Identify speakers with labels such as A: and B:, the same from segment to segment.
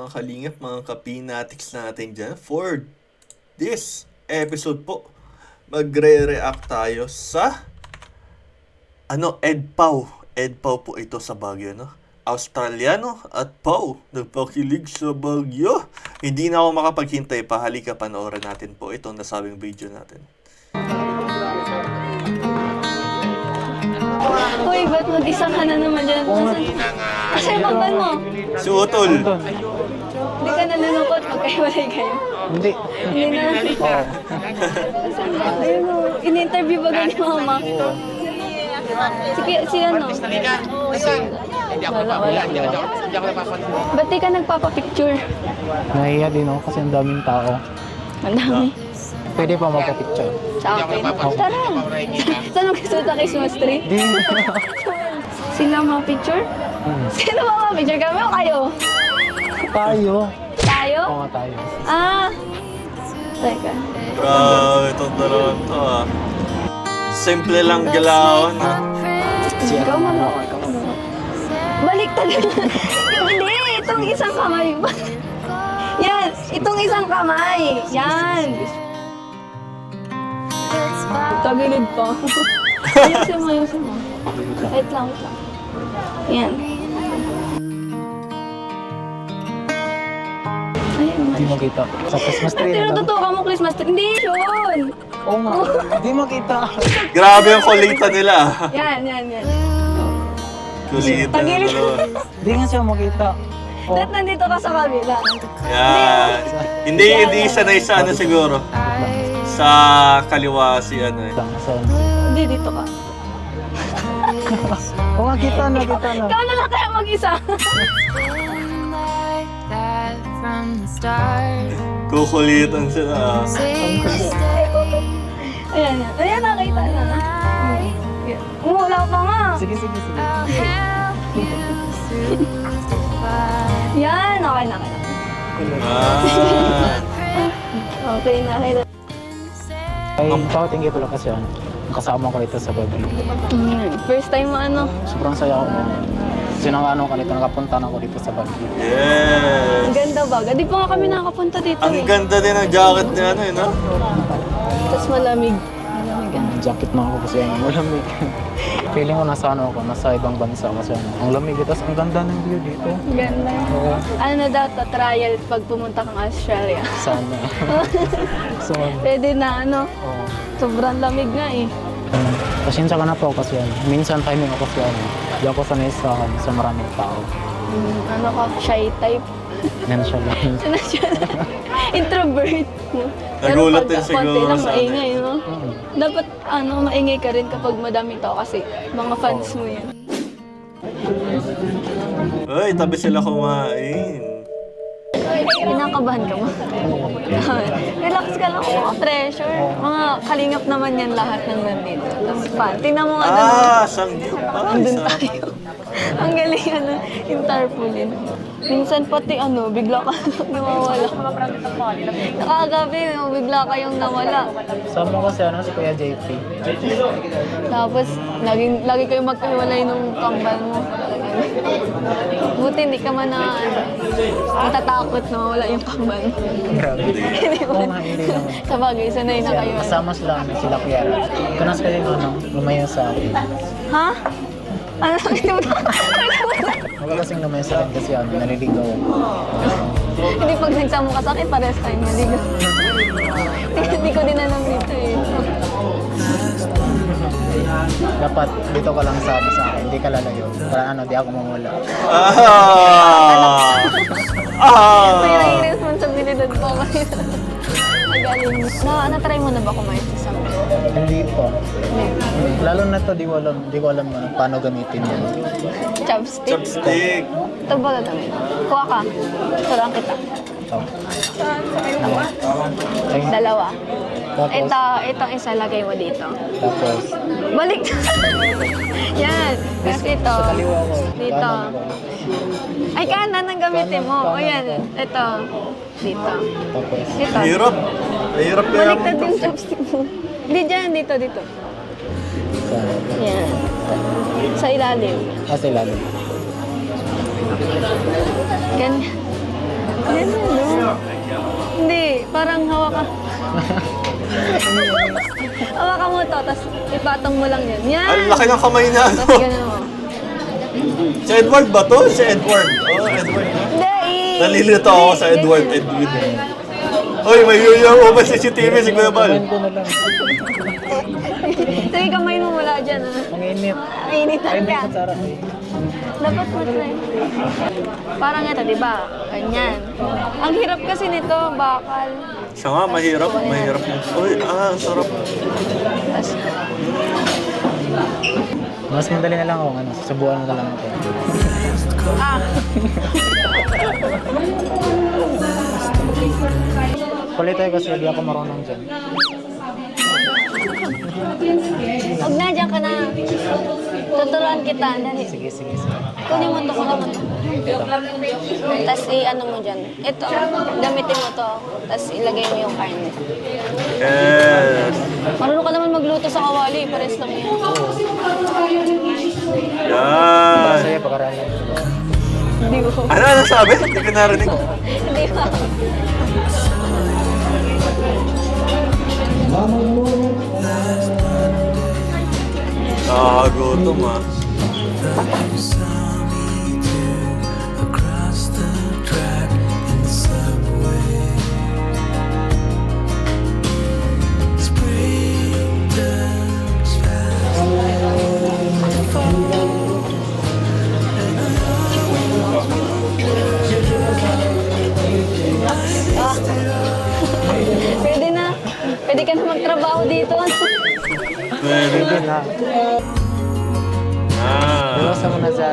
A: mga kalingap, mga kapinatics natin dyan. For this episode po, magre-react tayo sa EDPAW. EDPAW po ito sa Baguio, no? Australiano at PAW, nagpakilig sa Baguio. Hindi na ako makapaghintay pa. Halika, panoorin natin po itong nasabing video natin.
B: Uy, ba't mag-isa ka na naman dyan? Kasi yung pagban mo.
A: Si Utol.
B: Hindi ka nalulungkot magkahiwalay kayo.
C: Hindi.
B: Hindi na.
C: Oo.
B: Ayun o, in-interview ba ganyan mama? Si ano? Wala. Ba't di ka nagpapapicture?
C: Nahiya din ako kasi ang daming tao.
B: Ang dami.
C: Pwede pa magpa-picture.
B: Sa akin. Tara. Saan mo gusto sa Christmas tree?
C: Di.
B: Sila mga picture? Sino mga picture? Kami o kayo?
C: Tayo.
B: Tayo?
C: Oo, tayo.
B: Ah. Teka.
A: Bro, itong dalawang to ah. Simple lang galawan ah.
B: Ikaw manood. Balik talaga. Hindi, itong isang kamay. Yan, itong isang kamay. Yan. Tagilid pa. Ayusin mo. Wait lang. Yan.
C: Di mo kita. Sa Christmas tree na lang.
B: Tinututukan mo Christmas tree. Hindi yun.
C: Oo nga. Di mo kita.
A: Grabe yung kulita nila.
B: Yan.
A: Kulita na
B: Tagilid.
A: dalawa.
C: Di nga siya makita. Oh.
B: Dahil nandito ka sa kabila.
A: Yan. Hindi sanay sa ano siguro. Sa kaliwa si ano eh.
B: Hindi, dito ka.
C: Oo nga, kita na.
B: Ikaw na lang kaya mag-isa.
A: Kukulitan sila.
B: Ayan, nakita na. Wala pa nga.
C: Sige.
B: Yan, okay na.
A: Ah.
B: Okay na.
C: Ay, thank you pala kasi kasama ko dito sa Baguio.
B: First time mo ano?
C: Sobrang saya ako. Sinangano ka dito, nakapunta na ako dito sa Baguio.
B: Ang
A: Yes.
B: ganda ba? Di pa nga kami nakapunta dito
A: Ang ganda din ng jacket ni ano eh, no?
B: Tapos malamig.
C: Jacket na ako kasi malamig. Feeling ko nasa ibang bansa kasi ang lamig. Tapos ang ganda ng view dito.
B: Ang ganda.
C: Oo.
B: Ano na daw to, trial pag pumunta kang Australia.
C: Sana. So,
B: Pwede na ano,
C: oo.
B: sobrang lamig nga eh.
C: Pasensya ka na po kasi minsan timing ako kasi di ako sanay sa maraming tao.
B: Ano ka, shy type.
C: Yan siya lang.
B: Introvert.
A: Nagulat din
B: pag
A: siguro
B: konti lang
A: sa
B: maingay, no? Dapat maingay ka rin kapag madaming tao kasi mga fans mo yan.
A: Uy, tabi sila kumain.
B: Kinakabahan ka mo? Relax ka lang, mga pressure. Mga kalingap naman yan lahat ng nandito. Tapos fan. Tingnan mo nga doon.
A: Sangyup.
B: Andun tayo. Ang galing yung tarpaulin. Minsan pati bigla ka nawawala. Nakagabi, bigla kayong nawala.
C: Sama kasi si Kuya JP.
B: Tapos, lagi kayong magkahiwalay nung kambal mo. Buti hindi ka man natatakot na mawala yung kambal mo.
C: Grabe.
B: Hindi
C: Oo
B: man.
C: nga, hindi naman.
B: Sa bagay, sanay na kayo.
C: Kasama sila Kuya. Kanas kayo lumayo sa akin.
B: Ha? Ano yung
C: Wala kasing lumayo sa akin kasi naliligaw ako.
B: Hindi pag nagsama ka sa akin, pares tayo maligaw. Hindi ko din alam dito eh.
C: Dapat dito ka lang sa akin, hindi ka lalayo. Para di ako mamula.
B: May responsibilidad pa kayo. Magaling. Na-try mo na ba kumain sa sample?
C: Hindi pa. Lalo na to, di ko alam paano gamitin yan.
B: Chopstick?
A: Chopstick.
B: Ito ba gagawin? Kuha ka. Turuan kita.
C: Ay,
B: Dalawa.
C: tapos,
B: Itong isa lagay mo dito.
C: tapos,
B: Balik! Yan. Tapos ito.
C: sa kaliwa ko.
B: Dito.
C: Kanan ko.
B: Ay, kanan ang gamitin mo. O
C: Kanan
B: yan.
C: ko.
B: Ito. Dito.
C: Tapos,
B: Dito.
A: Hirap. Mahirap kaya.
B: Baliktad yung chopstick mo. Hindi dyan. Dito.
C: sa,
B: Yan. Sa ilalim.
C: kasi lalo.
B: Ganyan. Yan, ano? Hindi, parang hawakan. Hawakan mo to, tapos ipatong mo lang yun. Yan!
A: Ang laki ng kamay na ano.
B: Tapos gano'n mo.
A: Si Edward ba to? Si Edward. Oo, Edward.
B: Hindi!
A: Nalilito ako sa Edward. Edward. Uy, may yuyo ba CCTV si Kuya Bal?
C: Kumain ko na lang.
B: Sige, kamay mo mula dyan, ha?
C: Ang init.
B: Ang initan
C: Ay,
B: ka.
C: may Sarah.
B: Dapat mo try. Parang ito, di ba? Ganyan. Ang hirap kasi nito, bakal.
A: Siya nga, mahirap. Mahirap. Uy, ang sarap.
B: Tapos,
C: Mas madali na lang ako, susubuan na lang ako.
B: ah!
C: Kulit tayo kasi hindi ako marunong dyan.
B: Huwag na, dyan ka na. Tuturuan kita. Dali.
C: Sige.
B: Kunin mo to, kunin mo to. Tapos i-ano mo dyan. Ito, gamitin mo to. Tapos ilagay mo yung karne.
A: Yes.
B: Marunong ka naman magluto sa kawali. Pares lang yan.
A: Yan.
C: Masaya pag-aralan.
B: Hindi mo.
A: Ano sabi? Hindi ko narinig.
B: Hindi mo.
A: Nakakagutom ah.
B: Pwede na. Pwede ka na magtrabaho dito.
A: Pwede
C: Sige na.
A: Ah.
C: Iwasan mo na sa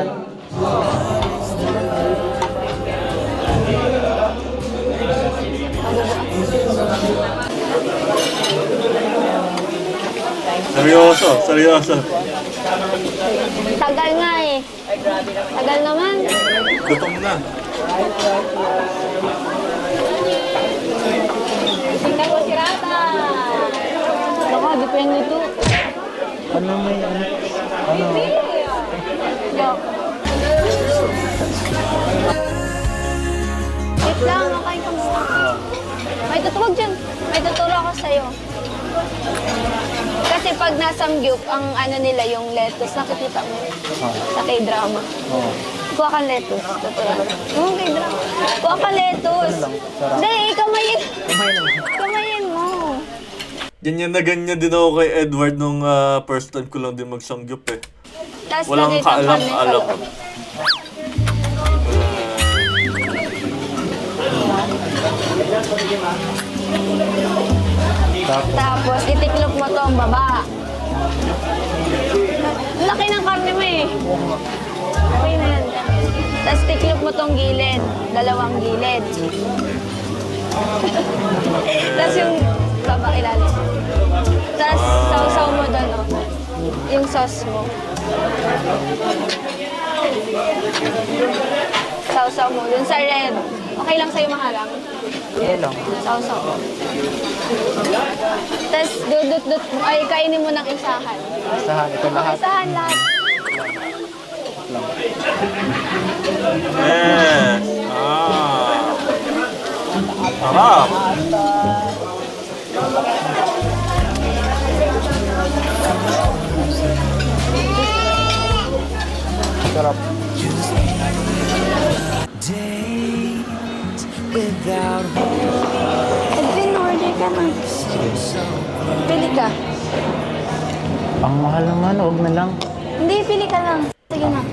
A: Seryoso.
B: Tagal nga eh. Tagal naman.
A: Gutom na.
B: Tingnan ko si Rata. Baka, di pa yan ito.
C: ano may ano.
B: Joke. Wait lang, makain ka muna. May tutuwag dyan. May tuturo ako sa'yo. Kasi pag nasamgyup, ang ano nila, yung lettuce, nakikita mo sa K-drama.
C: Oo.
B: Kuha kang lettuce. Tuturo. Oo, K-drama. Kuha kang lettuce. Hindi, kamayin. Kamayin mo.
A: Ganyan na ganyan din ako kay Edward nung first time ko lang din magsamgyup eh.
B: Tapos
A: Walang
B: lagay kang karne sa
A: kaalam-alam.
B: loob. Tapos itiklop mo to ang baba. Laki ng karne mo eh. Okay na yan. Tapos tiklop mo tong gilid. Dalawang gilid. Tapos yung baba ilalim. Tapos sausaw mo doon, oh. Yung sauce mo. Sausaw mo doon sa red. Okay lang sa'yo maharang?
C: Okay lang.
B: Sausaw. Tapos dudut-dut, ay kainin mo ng isahan.
C: Isahan, ito lahat.
B: Isahan lahat.
A: Yes. Sarap.
C: Sarap.
B: Edwin, order ka na. Pili ka.
C: Ang mahal naman, huwag na lang.
B: Hindi, pili ka lang. Sige na.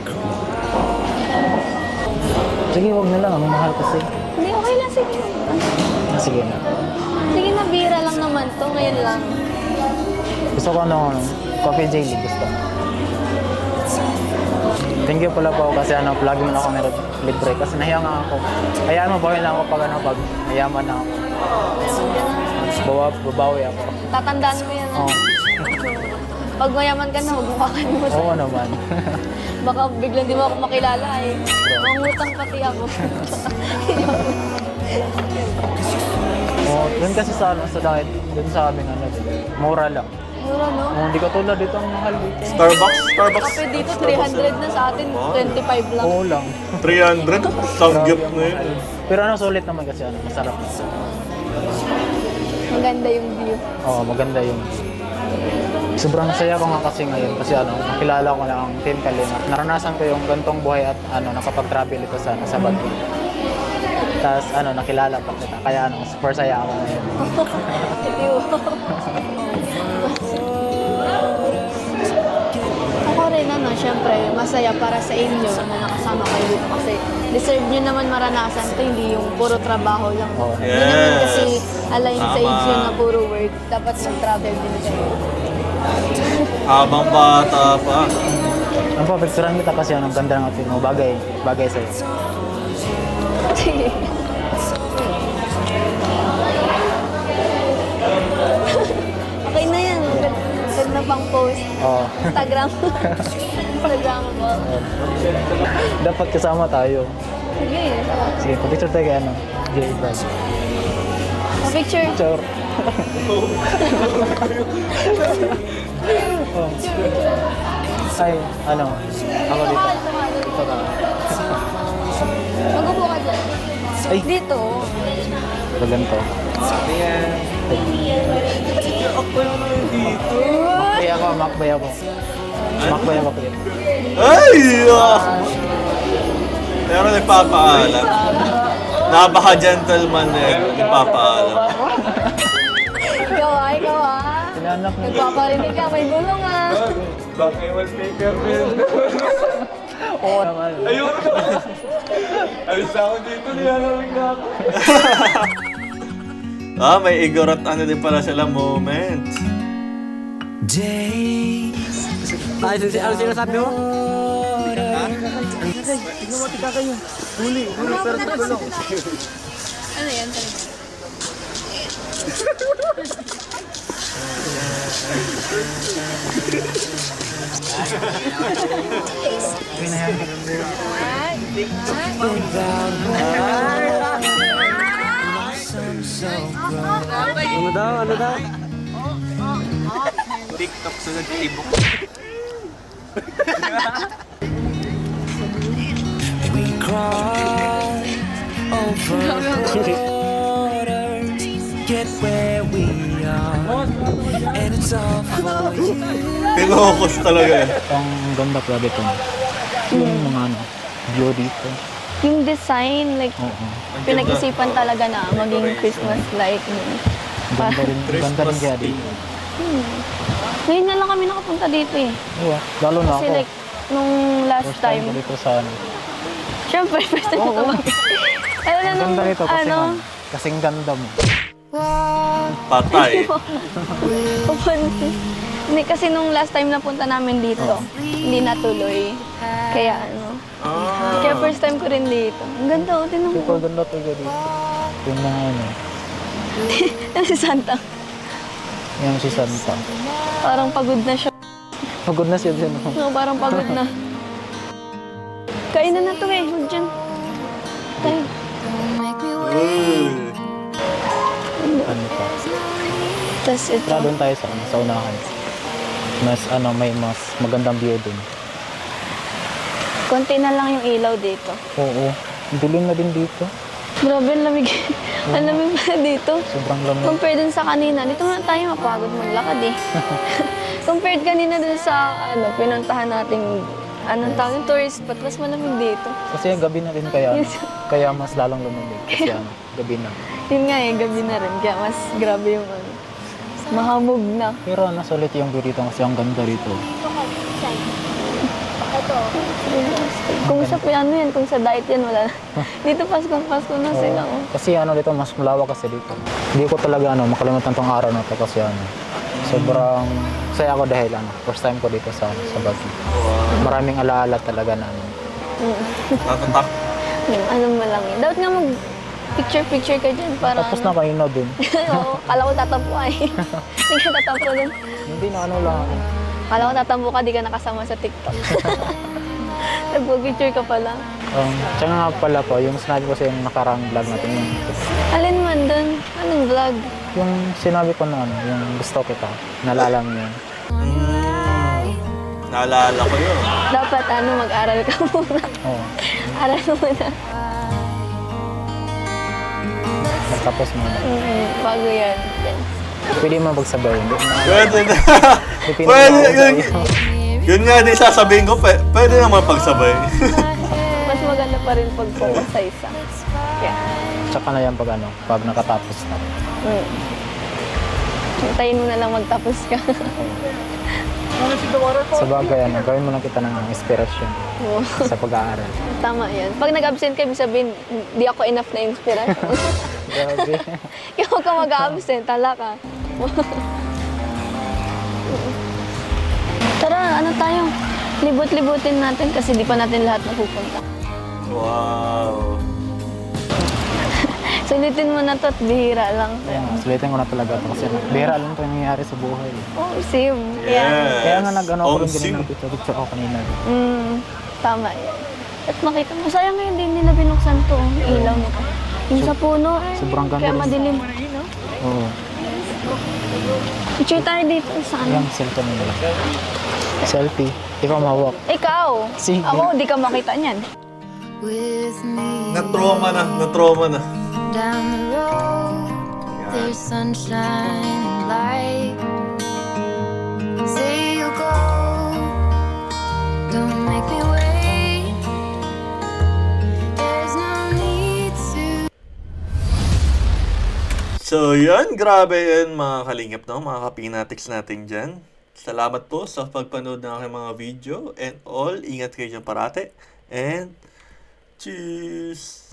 C: Sige, huwag na lang. Ang mahal kasi.
B: Hindi, okay lang. Sige.
C: Sige na.
B: Sige na, bira lang naman to. Ngayon lang.
C: Gusto ko coffee jelly. Gusto ko. Thank you pala po kasi lagi mo na ako meron libre kasi nahiya nga ako. Hayaan mo, bawin lang ako pag mayaman na ako. Babawi ako.
B: Tatandaan mo yan.
C: Oo.
B: Pag mayaman ka na, huwag mo kakalimutan.
C: Oo naman.
B: Baka biglang di mo ako makilala eh. Mangutang pati ako.
C: Oo, dun kasi sa diet, dun sa amin mura lang.
B: Mura, no?
C: Hindi ka tulad dito ang mahal dito.
A: Starbucks.
B: Kape dito, 300 na sa atin, 25 lang.
C: Oo lang.
A: 300? Samgyup na yun.
C: Pero ano, sulit naman kasi ano, masarap.
B: Maganda yung view.
C: Oo, maganda yung sobrang saya ko nga kasi ngayon kasi ano, nakilala ko na ang Team Kalinga. Naranasan ko yung gantong buhay at ano, nakapag-travel ito sa Baguio. Tapos ano, nakilala pa kita. Kaya ano, super saya ako ngayon.
B: View. Ako rin ano, syempre, masaya para sa inyo na nakasama kayo dito kasi deserve nyo naman maranasan to, hindi yung puro trabaho lang.
C: Oo.
B: Hindi naman kasi align sa
A: Tama.
B: age yun na puro work. Dapat mag-travel din kayo.
A: Habang bata pa.
C: Ang papicturean kita kasi ano, ang ganda ng outfit mo. Bagay sa'yo.
B: Sige. Okay na yan. Ganda pang post.
C: Oo.
B: Instagram. Instagram mo.
C: Dapat kasama tayo.
B: Sige.
C: Sige, papicture tayo kay ano, Jay Brad.
B: Picture.
C: Picture. Oh. Ay, ano, ako dito. Dito ka.
B: Mag-upo ka dyan.
C: Ay.
B: Dito.
C: Ito ganito. Makbay ako. Makbay ako dito.
A: Ay! Pero nagpapaalam. Napaka-gentleman eh. Nagpapaalam.
B: Ikaw
C: Tinanak mo.
B: Nagpaparinig ka, may gulong ah.
D: Bakit wallpaper din?
C: Oo naman.
D: Ayun! Alis ako dito, nilalamig na ako.
A: May igorot ano din pala sila moment.
E: Ano sinasabi mo?
B: Ano yan?
E: Ano daw?
D: TikTok sa nagtibok.
A: Pinokos talaga eh.
C: Ang ganda pala dito. Yung mga ano, view dito.
B: Yung design, like,
C: Oo.
B: pinag-isipan talaga na maging Christmas-like.
C: Ganda rin kaya dito.
B: Ngayon na lang kami nakapunta dito eh.
C: Oo, lalo na
B: Kasi
C: ako.
B: like, nung last
C: First time
B: time,
C: ko dito sa ano.
B: syempre, first time ko tumawag. Ano na
C: Ang
B: nung,
C: ganda rito kasi
B: ano,
C: kasing ganda mo.
A: Patay.
B: pupunta. Hindi, kasi nung last time na punta namin dito, hindi natuloy. Kaya ano, kaya first time ko rin dito. Ang ganda, tinan mo.
C: Super ganda talaga dito. Yung mga ano,
B: Yan si Santa.
C: yung si Santa.
B: Parang pagod na siya.
C: Pagod na siya din. Oh.
B: No, parang pagod na. Kainan na to eh, huwag dyan. Tayo.
A: Uy.
C: Ano pa?
B: Tapos ito.
C: Tara doon tayo sa unahan. Mas ano, may mas magandang view dun.
B: Konti na lang yung ilaw dito.
C: Oo. Dilim na din dito.
B: Grabe, ang lamig. Ang lamig pala dito.
C: Sobrang lamig.
B: Compared dun sa kanina, dito na tayo mapagod maglakad eh. Compared kanina dun sa pinuntahan nating anong tawag yung tourist spot, mas malamig dito.
C: Kasi gabi na din kaya.
B: Yes.
C: Kaya mas lalong lumamig. Kasi ano, gabi na.
B: Yun nga eh, gabi na rin. Kaya mas grabe yung mahamog na.
C: Pero ano, sulit yung view dito kasi ang ganda dito.
B: Kung sa ano yan, kung sa diet yan, wala na. Dito Pasko na sila. Oh.
C: Kasi ano dito, mas malawak kasi dito. Hindi ko talaga ano, makalimutan tong araw na to kasi ano, sobrang saya ako dahil ano, first time ko dito sa Baguio. Maraming alaala talaga na ano.
A: Natatak.
B: Ano mo lang eh. Dapat nga mag picture ka dyan para
C: Tapos na kayo na dun.
B: Oo, kala ko tatampo ka eh. Hindi ka tatampo dun.
C: Hindi na ano lang ako.
B: Kala ko tatampo ka, di ka nakasama sa TikTok. Nagpo-picture ka pala.
C: Tsaka nga pala po, yung sinabi ko sa yung nakarang vlog natin. Yung,
B: Alin man dun? Anong vlog?
C: Yung sinabi ko na ano, yung gusto kita, nalala mo yun.
A: Naalala ko yun.
B: Dapat mag-aral ka muna.
C: Oo.
B: Aral muna.
C: Magtapos mo na.
B: Bago yan.
C: Pwede mo magsabay. Hindi na.
A: Pwede na.
C: Depende
A: Pwede,
C: na
A: yun,
C: sa'yo.
A: yun nga din sasabihin ko, pwede naman pagsabay.
B: Mas maganda pa rin pag focus sa isa. Yeah.
C: Tsaka na yan pag nakatapos na.
B: Hintayin mo na lang magtapos ka.
C: Sa bagay, gawin mo na kita ng inspirasyon
B: Oo.
C: sa pag-aaral.
B: Tama yan. Pag nag-absent ka, ibig sabihin, di ako enough na inspiration.
C: Grabe.
B: Kaya huwag ka mag-absent, tala ka. Tara, tayo? Libot-libutin natin kasi di pa natin lahat napupunta.
A: Wow.
B: Sulitin mo na to at bihira lang.
C: Sulitin ko na talaga ito kasi bihira lang ito yung nangyayari sa buhay.
B: Oh, same.
A: Yes.
C: Kaya nga nag-ano ako rin
A: Sim.
C: ganun ng picture ako kanina.
B: Tama yan. At makita mo, sayang ngayon din nila binuksan to, ang ilaw nito. Yung sa puno,
C: sobrang ganda
B: kaya
C: rin.
B: madilim.
C: Oo.
B: Picture tayo dito sa
C: Yung cellphone nila. Selfie. Ikaw mahawak.
B: Ikaw!
C: Sige.
B: Ako, di ka makita niyan.
F: With me
A: Na-trauma na.
F: down the road, there's sunshine and light. Say you go, don't make me wait. There's no need to.
A: So, yun. Grabe yun, mga kalingap, no? Mga kapinatics natin dyan. Salamat po sa pagpanood ng aking mga video. And all, ingat kayo dyan parate. And, cheers!